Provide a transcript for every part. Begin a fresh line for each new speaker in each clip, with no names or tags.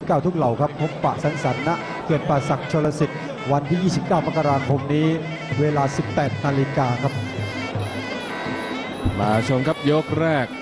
29ทุกเหล่าครับพบปะสังสรรค์ณเขื่อนป่าสักชลสิทธิ์วันที่ 29 มกราคมนี้เวลา 18 นาฬิกาครับ
มาชมครับยกแรก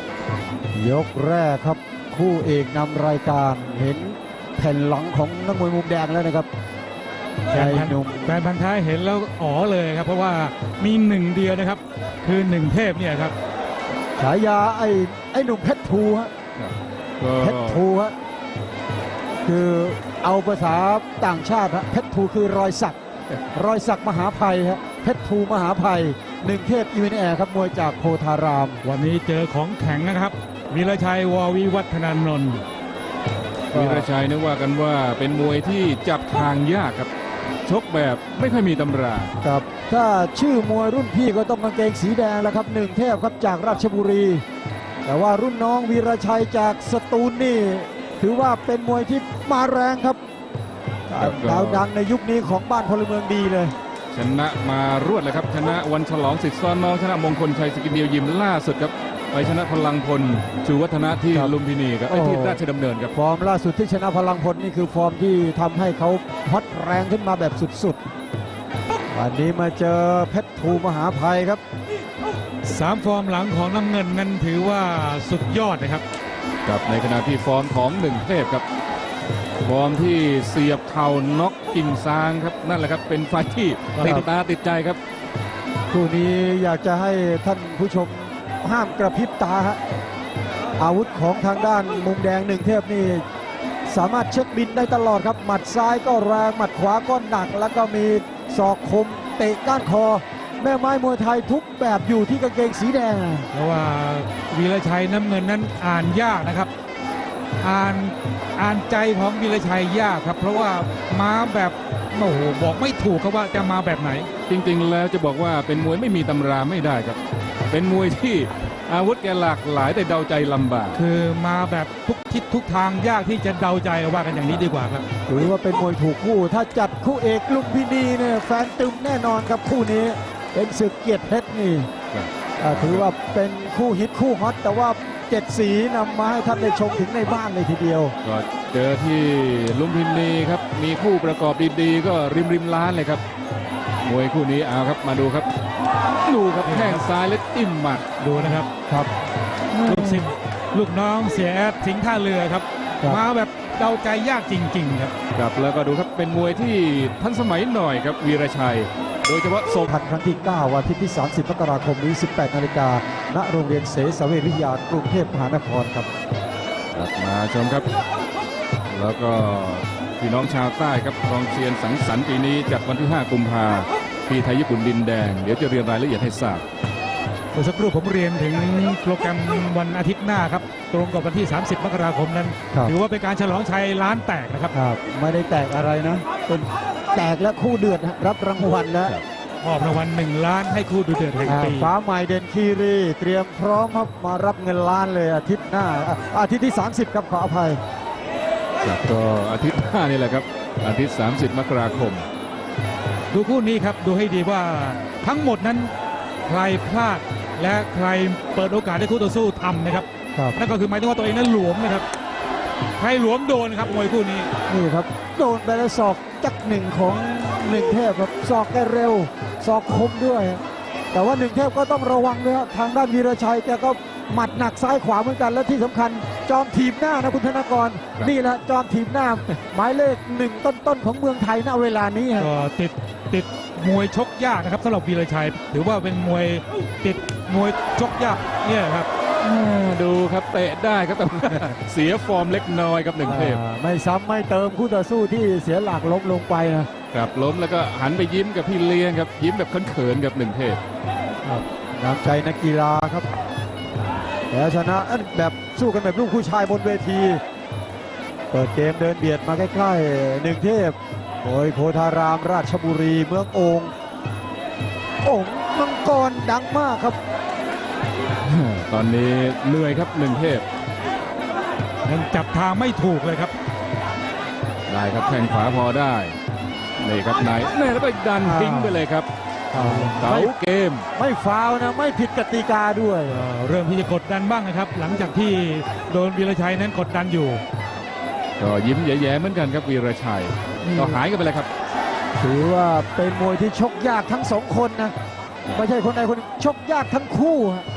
ครับคู่เอกนำรายการเห็นแผ่นหลังของนักมวยมุมแดงแล้วนะครับ
แฟนพันธุ์แท้เห็นแล้วอ๋อเลยครับเพราะว่ามีหนึ่งเดียวนะครับคือหนึ่งเทพเนี่ยครับ
ฉายาไอ้หนุ่มเพชรภูฮะเพชรภูฮะคือเอาภาษาต่างชาติฮะเพชรภูคือรอยสักมหาภัยฮะเพชรภูมหาภัยหนึ่งเทพอีเวนแอร์ครับมวยจากโพธาราม
วันนี้เจอของแข็งนะครับวีรชัยววิวัฒนานนท์
วีรชัยนึกว่ากันว่าเป็นมวยที่จับทางยากครับชกแบบไม่ค่อยมีตำรา
ครับถ้าชื่อมวยรุ่นพี่ก็ต้องกางเกงสีแดงแล้วครับหนึ่งเทพครับจากราชบุรีแต่ว่ารุ่นน้องวีรชัยจากสตูลนี่ถือว่าเป็นมวยที่มาแรงครับดาวดังในยุคนี้ของบ้านพลเมืองดีเลย
ชนะมารวดเลยครับชนะวันฉลองสิทธิ์ซ้อนน้องชนะมงคลชัยสกินเดียวยิมล่าสุดครับไปชนะพลังพลชูวัฒนะที่ลุมพินีครับที่ราชดำเนินครับ
ฟอร์มล่าสุดที่ชนะพลังพลนี่คือฟอร์มที่ทำให้เขาฮอตแรงขึ้นมาแบบสุดๆวันนี้มาเจอเพชรภูมหาภัยครับ
3 ฟอร์มหลังของน้ำเงินนั้นถือว่าสุดยอดนะครับ
กับในขณะที่ฟอร์มของหนึ่งเทพครับฟอร์มที่เสียบเข่าน็อกกิ่งซางครับนั่นแหละครับเป็นไฟที่ติดตาติดใจครับ
คู่นี้อยากจะให้ท่านผู้ชมห้ามกระพริบตาฮะอาวุธของทางด้านมุมแดงหนึ่งเทพนี่สามารถเช็คบินได้ตลอดครับหมัดซ้ายก็แรงหมัดขวาก็หนักแล้วก็มีศอกคมเตะก้านคอแม่ไม้มวยไทยทุกแบบอยู่ที่กางเกงสีแดง
เพราะว่าวีรชัยน้ำเงินนั้นอ่านยากนะครับอ่านใจของวีรชัยยากครับเพราะว่ามาแบบโอ้โหบอกไม่ถูกครับว่าจะมาแบบไหน
จริงๆแล้วจะบอกว่าเป็นมวยไม่มีตำราไม่ได้ครับเป็นมวยที่อาวุธแกหลากหลายแต่เดาใจลำบาก
คือมาแบบทุกทิศทุกทางยากที่จะเดาใจว่ากันอย่างนี้ดีกว่าครับ
หรือว่าเป็นมวยถูกคู่ถ้าจัดคู่เอกลุมพินีเนี่ยแฟนตึมแน่นอนครับคู่นี้เป็นศึกเกียรติเพชรนี่ถือว่าเป็นคู่ฮิตคู่ฮอตแต่ว่า7 สีนำมาให้ท่านได้ชมถึงในบ้านเลยทีเดียว
ก็เจอที่ลุมพินีครับมีคู่ประกอบดีๆก็ริมล้านเลยครับมวยคู่นี้เอาครับมาดูครับแข้งซ้ายและจิ้มหมัด
ดูนะครับลูกน้องเสียแอดสิงห์ท่าเรือครับมาแบบเดาใจยากจริงๆครับ
ครับแล้วก็ดูครับเป็นมวยที่ทันสมัยหน่อยครับวีรชัยโดยเฉพาะ
ทันครั้งที่9วันที่30 มกราคมนี้ 18 นาฬิกาณโรงเรียนเสสเวชวิทยากรุงเทพมหานครครับ
มาชมครับแล้วก็พี่น้องชาวใต้ครับกองเชียร์สังสรรค์ปีนี้จัดวันที่5 กุมภาพันธ์ที่ไทยญี่ปุ่นดินแดงเดี๋ยวจะเรียนรายละเอียดให้ทราบ
เมื่อสักครู่ผมเรียนถึงโปรแกรมวันอาทิตย์หน้าครับตรงกับวันที่30 มกราคมนั้นถือว่าเป็นการฉลองชัยล้านแตกนะครับ
ไม่ได้แตกอะไรนะเป็นแตกและคู่เดือดรับรางวัลแล้ว
มอบรางวัล1 ล้านให้คู่ดูเดือดแห่งปี
ฟ้าใหม่เด่นคีรีเตรียมพร้อมครับมารับเงินล้านเลยอาทิตย์หน้าอาทิตย์ที่30ครับขออภัย
ก็อาทิตย์หน้านี่แหละครับอาทิตย์30 มกราคม
ดูคู่นี้ครับดูให้ดีว่าทั้งหมดนั้นใครพลาดและใครเปิดโอกาสให้คู่ต่อสู้ทำนะครับนั่นก็คือหมายถึงว่าตัวเองนั้นหลวมนะครับใครหลวมโดนครับมวยคู่นี้
นี่ครับโดนไปแล้วศอกจักหนึ่งของหนึ่งเทพครับศอกแกเร็วศอกคมด้วยแต่ว่าหนึ่งเทพก็ต้องระวังด้วยทางด้านวีรชัยแกก็หมัดหนักซ้ายขวาเหมือนกันและที่สำคัญจอมถีบหน้านะคุณธนากรนี่แหละจอมถีบหน้าหมายเลข1ต้นๆของเมืองไทยณเวลานี้
ก็ติดมวยชกยากนะครับสำหรับวีรชัยถือว่าเป็นมวยติดมวยชกยากเนี่ยครับ
ดูครับเตะได้ครับแต่เสียฟอร์มเล็กน้อยครับหนึ่งเทพ
ไม่ซ้ำไม่เติมคู่ต่อสู้ที่เสียหลักล้มลงไป
นะครับล้มแล้วก็หันไปยิ้มกับพี่เลี้ยงครับยิ้มแบบเขินๆกับหนึ่งเทพ
น้ำใจนักกีฬาครับแต่ชนะแบบสู้กันแบบลูกผู้ชายบนเวทีเปิดเกมเดินเบียดมาใกล้ๆหนึ่งเทพโอยโพธารามราชบุรีเมืองโอ่งมังกรดังมากครับ
ตอนนี้เหนื่อยครับหนึ่งเทพ
ยังจับทางไม่ถูกเลยครับ
ได้ครับแข้งขวาพอได้นี่ครับไหนแล้วก็ดันทิ้งไปเลยครับเก๋าเกม
ไม่ฟาวนะไม่ผิดกติกาด้วย
เริ่มที่จะกดดันบ้างนะครับหลังจากที่โดนวีรชัยนั้นกดดันอยู่
ก็ยิ้มแย้ๆเหมือนกันครับวีรชัยก็หายกันไปเลยครับ
ถือว่าเป็นมวยที่ชกยากทั้งสองคนนะไม่ใช่คนใดคนหนึ่งชกยากทั้งคู่ฮะ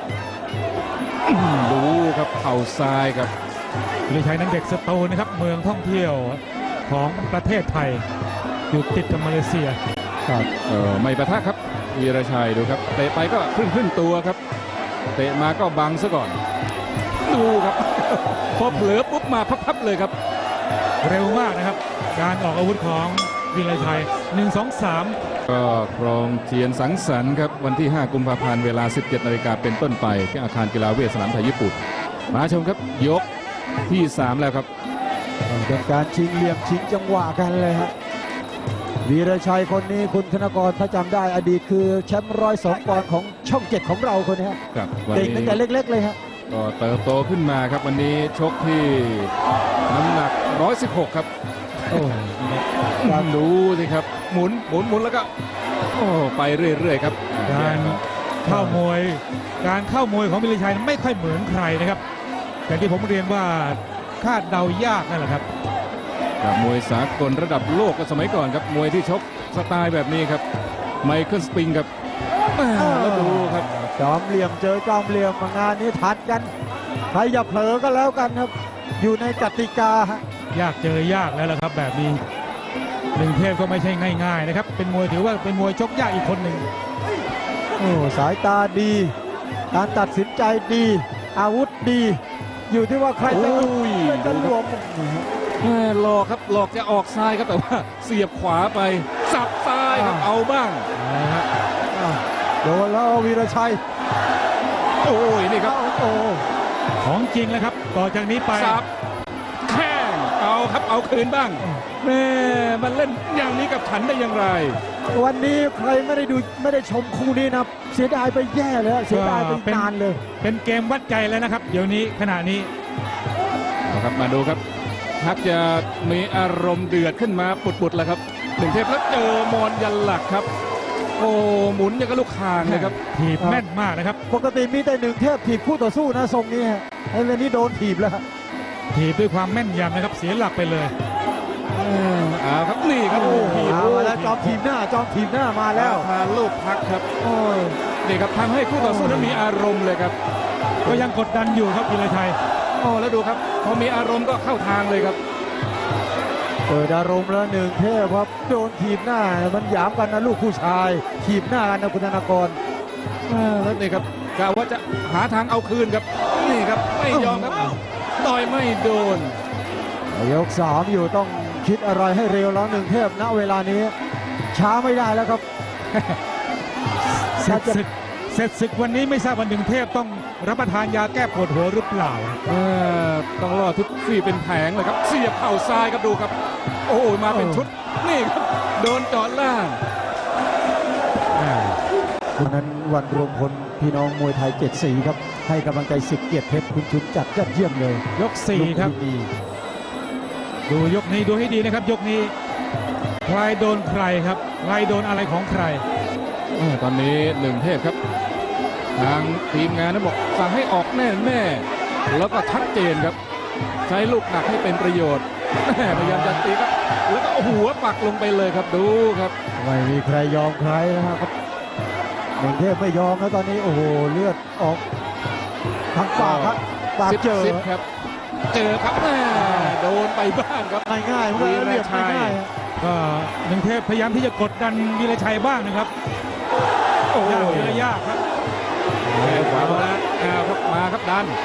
ดูครับเข่าซ้ายครับ
วีรชัยนั้นเด็กสตูลนะครับเมืองท่องเที่ยวของประเทศไทยอยู่ติดกับมาเลเซีย
ไม่ปะทะครับวีรชัยดูครับเตะไปก็ครึ่งตัวครับเตะมาก็บังซะก่อนดูครับ พอเผลอปุ๊บมาพับๆเลยครับ
เร็วมากนะครับการออกอาวุธของวีรชัย1 2 3
ก็ครองเทียนสังสรรค์ครับวันที่ 5 กุมภาพันธ์เวลา 17 นาฬิกาเป็นต้นไปที่อาคารกีฬาเวทสนามไทยญี่ปุ่นมาชมครับยกที่ 3 แล้วครับ
เป็นการชิงเหลี่ยมชิงจังหวะกันเลยฮะวีรชัยคนนี้คุณธนกรถ้าจำได้อดีตคือแชมป์102 ปอนด์ของช่อง 7 ของเราคนนี้ฮะ
ครับวัน
เด็ก
นี้
ตั้งแต่เล็กๆเลยฮะ
ก็เติบโตขึ้นมาครับวันนี้ชกที่น้ำหนัก 116 ครับ
โอ้
การดูสิครับหมุนแล้วก็โอ้ไปเรื่อยๆครับ
การเข้ามวยของวีรชัยไม่ค่อยเหมือนใครนะครับอย่างที่ผมเรียนว่าคาดเดายากนั่นแหละครับ
กับมวยสากลระดับโลกก็สมัยก่อนครับมวยที่ชกสไตล์แบบนี้ครับไมเคิลสปริงครับแล้วดูครับ
จอมเหลี่ยมเจอจอมเหลี่ยมงานนี้ทัดกันใครอย่าเผลอก็แล้วกันครับ อยู่ในกติกาฮะ
ยากเจอยากแล้วล่ะครับแบบนี้หนึ่งเทพก็ไม่ใช่ง่ายๆนะครับเป็นมวยถือว่าเป็นมวยชกยากอีกคนหนึ่ง
โอ้สายตาดี การตัดสินใจดี อาวุธดี อยู่ที่ว่าใครจะ
โอ้ย
จะรวม
หลอกครับหลอกจะออกซ้ายครับแต่ว่าเสียบขวาไปสับซ้ายครับเอาบ้าง
โดนแล้ววีรชัย
โอ้ยนี่ครับ
โอ้
ของจริงแล้วครับต่อจากนี้ไป
สับแข้งเอาครับเอาคืนบ้างแม่มันเล่นอย่างนี้กับฉันได้อย่างไร
วันนี้ใครไม่ได้ชมคู่นี้นะเสียดายไปแย่เลยฮะเสียดายไปนานเลย
เป็นเกมวัดใจแล้วนะครับ เดี๋ยวนี้ขณะนี้
เอาครับมาดูครับชักจะมีอารมณ์เดือดขึ้นมาปุดๆแล้วครับหนึ่งเทพแล้วเจอมอนยันหลักครับ โอ้หมุนอย่างกับลูกคางเลยครับ
ถีบแม่นมากนะครับ
ปกติมีแต่หนึ่งเทพถีบคู่ต่อสู้นะทรงนี้ฮะไอ้เรื่องนี้โดนถีบแล้วฮะ
ถีบด้วยความแม่นยำนะครับเสียหลักไปเลย
เอาครับนี่ครับโอ้โห
มาแล้วจอมถีบหน้ามาแล้ว
ทานลูกพักครับโอ้ยนี่ครับทำให้คู่ต่อสู้นั้นมีอารมณ์เลยครับ
ก็ยังกดดันอยู่ครับวีรชัย
โอ้แล้วดูครับพอมีอารมณ์ก็เข้าทางเลยครับ
เปิดอารมณ์แล้วหนึ่งเทพครับโดนถีบหน้ามันหยามกันนะลูกผู้ชายถีบหน้ากันนะคุณธนากร
แล้วนี่ครับกะว่าจะหาทางเอาคืนครับนี่ครับไม่ยอมครับต่อยไม่โดน
ยก3อยู่ต้องคิดอะไรให้เร็วแล้วหนึ่งเทพณเวลานี้ ช้าไม่ได้แล้วครับ
เสร็จศึกวันนี้ไม่ทราบวันหนึ่งเทพต้องรับประทานยาแก้ปวดหัวหรือเปล่า
ต้องรอทุกฟี่เป็นแผงเลยครับเสียบเข่าซ้ายครับดูครับ โอ้ยมาเป็นชุดนี่ครับโดนเจาะล่าง
คุณนั้นวันรวมพลพี่น้องมวยไทย7 สีครับให้กำลังใจสิทธิ์เกียรติเพชรคุณชุนจัดยอดเยี่ยมเลย
ยก4ครับ
ลูกดี
ดูยกนี้ดูให้ดีนะครับ ยกนี้ใครโดนใครครับใครโดนอะไรของใคร
ตอนนี้หนึ่งเทพครับทางทีมงานนั้นบอกสั่งให้ออกแน่แล้วก็ชัดเจนครับ ใช้ลูกหนักให้เป็นประโยชน์พยายามจะตีครับแล้วก็หัวปักลงไปเลยครับดูครับ
ไม่มีใครยอมใครนะครับหนึ่งเทพไม่ยอมแล้วตอนนี้โอ้โหเลือดออกทางปากครับปากเจอ
ซิปครับเจอครับโดนไปบ้างครับ
ง่ายๆมันก็เรียบง่ายๆฮะ
ก็หนึ่งเทพพยายามที่จะกดดันวีรชัยบ้างนะครับ
โอ้โห
ยากทีละยากครับ
แขนขวามาแล้วครับมาครับดัน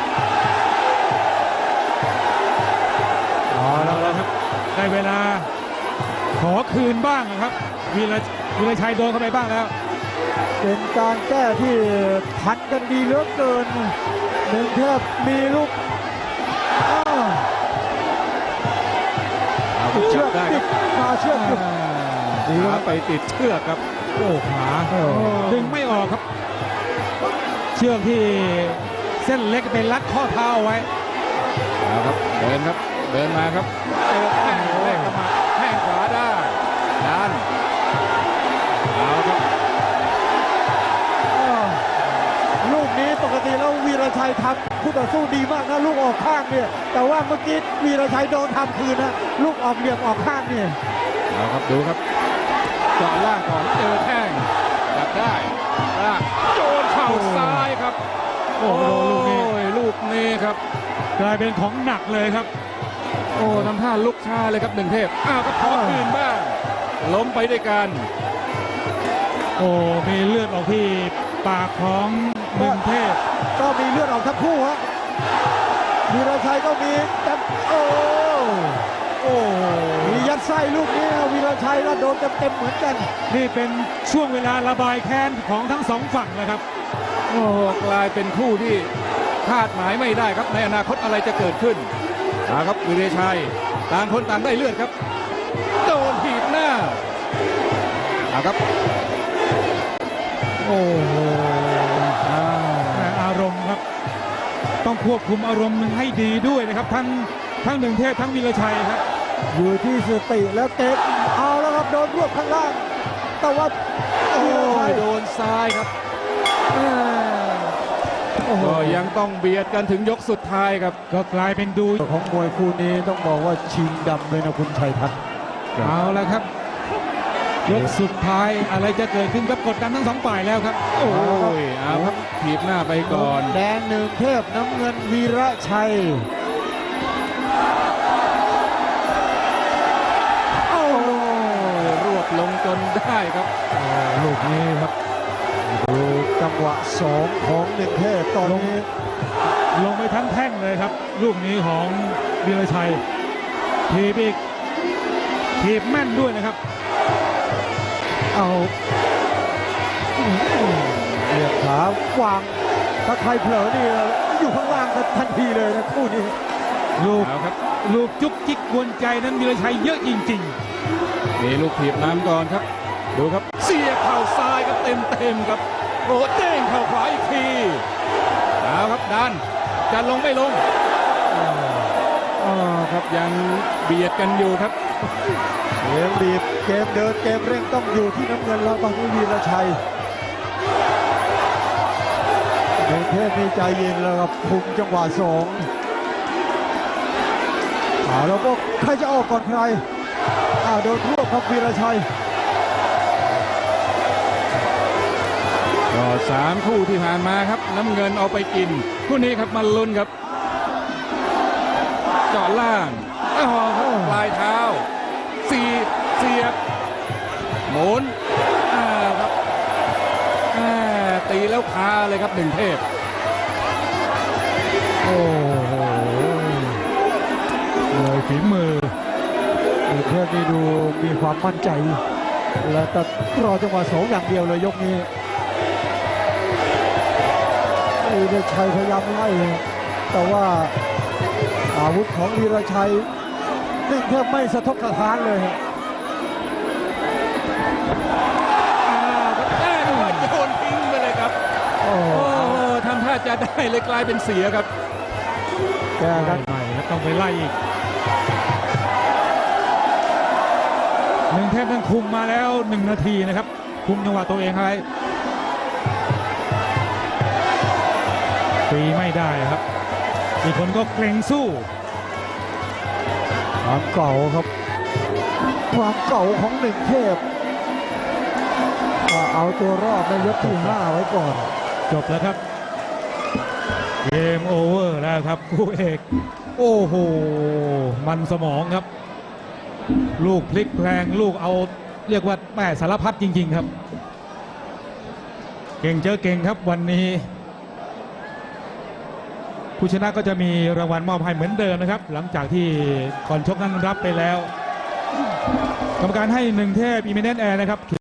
เอาแล้วครับได้เวลาขอคืนบ้างนะครับวีรชัยโดนเข้าไปบ้างแล้ว
เป็นการแก้ที่ทันกันดีเหลือเกินหนึ่งเทพมีลูกเชือก
ได้
ติ
ครั
ด
บ
มาเชือกติด
ขาไปติดเชือกครับ
โอ้ขาดึงไม่ออกครับ เชือกที่เส้นเล็กไปรัดข้อเท้าเอาไว้
เอาครับเดินครับเดินมาครับเจอแข้งแรกเข้ามาแข้งขวาได้ดันเอาครับ
ลูกนี้ตกติแล้ววีรชัยทำคู่ต่อสู้ดีมากนะลูกออกข้างเนี่ยแต่ว่าเมื่อกี้วีรชัยโดนทำคืนนะลูกออกเหลี่ยมออกข้างเนี่ย
เอาครับดูครับเจาะล่างก่อนเจอแข้งจับได้ล่างโดนเข่าซ้ายครับ
โอ้โหลูกนี้
ลูกนี้ครับ
กลายเป็นของหนักเลยครับ
โอ้ทำท่าลุกช้าเลยครับหนึ่งเทพอ้าวก็ขอคืนบ้างล้มไปด้วยกัน
โอ้มีเลือดออกที่ปากของหนึ่งเทพ
ก็มีเลือดออกทั้งคู่ฮะวีรชัยก็มีแต่โอ้มียัดไส้ลูกนี้นะวีรชัยแล้วโดนเต็มๆเหมือนกัน
นี่เป็นช่วงเวลาระบายแค้นของทั้งสองฝั่งนะครับ
โอ้โหกลายเป็นคู่ที่คาดหมายไม่ได้ครับในอนาคตอะไรจะเกิดขึ้นครับวีรชัยต่างคนต่างได้เลือดครับโดนถีบหน้าครับ
โอ้โหแต่อารมณ์ครับ ต้องควบคุมอารมณ์ให้ดีด้วยนะครับ ทั้งหนึ่งเทพทั้งวีรชัยครับ
อยู่ที่สติแล้วเตะเอาแล้วครับโดนรวบข้างล่างแต่ว่า
โอ้
วีรชัย
โดนซ้ายครับ
โอ้โห
ก็ยังต้องเบียดกันถึงยกสุดท้ายครับ
ก็กลายเป็นดู
ของมวยคู่นี้ต้องบอกว่าชิงดำเลยนะคุณชัยทัศน์
เอาแล้วครับ ยกสุดท้ายอะไรจะเกิดขึ้นครับกดดันทั้งสองฝ่ายแล้วครับ
โอ้ยเอาครับถีบหน้าไปก่อน
แดงหนึ่งเทพน้ำเงินวีระชัยโอ้
รวบลงจนได้ครับ
ลูกนี้ครับ
ดูจังหวะสองของหนึ่งเทพตอนนี้
ลงไปทั้งแท่งเลยครับ ลูกนี้ของวีรชัยทีบอีกทีบแม่นด้วยนะครับ
เอาเหยียบขาวางถ้าใครเผลอนี่อยู่ข้างล่างกันทันทีเลยนะคู่นี้
ลูก
เอาครับ
ลูกจุกจิกกวนใจนั้นวีรชัยเยอะจริง
มีลูกถีบน้ำก่อนครับ ดูครับเสียบเข่าซ้ายครับเต็มครับโอ้เด้งเข่าขวาอีกทีเอาครับดันจะลงไม่ลงครับยังเบียดกันอยู่ครับ
เกมบีบเกมเดินเกมเร่งต้องอยู่ที่น้ำเงินแล้วตอนนี้วีรชัยหนึ่งเทพมีใจเย็นแล้วครับคุมจังหวะสองแล้วก็ใครจะออกก่อนใครโดนทั่วครับวีรชัย
ก็3คู่ที่ผ่านมาครับน้ำเงินเอาไปกินคู่นี้ครับมาลุ้นครับเจาะล่างครับปลายเท้าเสียบหมุนครับตีแล้วคาเลยครับหนึ่งเทพ
ๆ โอ้โหเลยฝีมือ
หนึ่งเทพนี่ดูมีความมั่นใจ และแต่รอจังหวะสองอย่างเดียวเลยยกนี้วีรชัยพยายามไล่แต่ว่าอาวุธของวีรชัยหนึ่งเทพไม่สะทกสะท้านเลยฮะ
โยนทิ้งไปเลยครับ
โอ้
โอ้ทำท่าจะได้เลยกลายเป็นเสียครับ
แก้กัน
ใหม่แล้วต้องไปไล่อีกหนึ่งเทพนั้นคุมมาแล้ว1 นาทีนะครับ คุมจังหวะตัวเองไว้ตีไม่ได้ครับอีกคนก็เกรงสู้
ความเก่าครับ ความเก่าของหนึ่งเทพเอาตัวรอดในยกที่ 5 ไว้ก่อน
จบแล้วครับเกมโอเวอร์แล้วครับคู่เอกโอ้โหมันสมองครับ ลูกพลิกแพลงลูกเอาเรียกว่าแม่สารพัดจริงๆครับ เก่งเจอเก่งครับวันนี้ ผู้ชนะก็จะมีรางวัลมอบให้เหมือนเดิมนะครับ หลังจากที่ก่อนชกนั้นรับไปแล้ว กรรมการให้หนึ่งเทพอิมิเนนต์แอร์นะครับ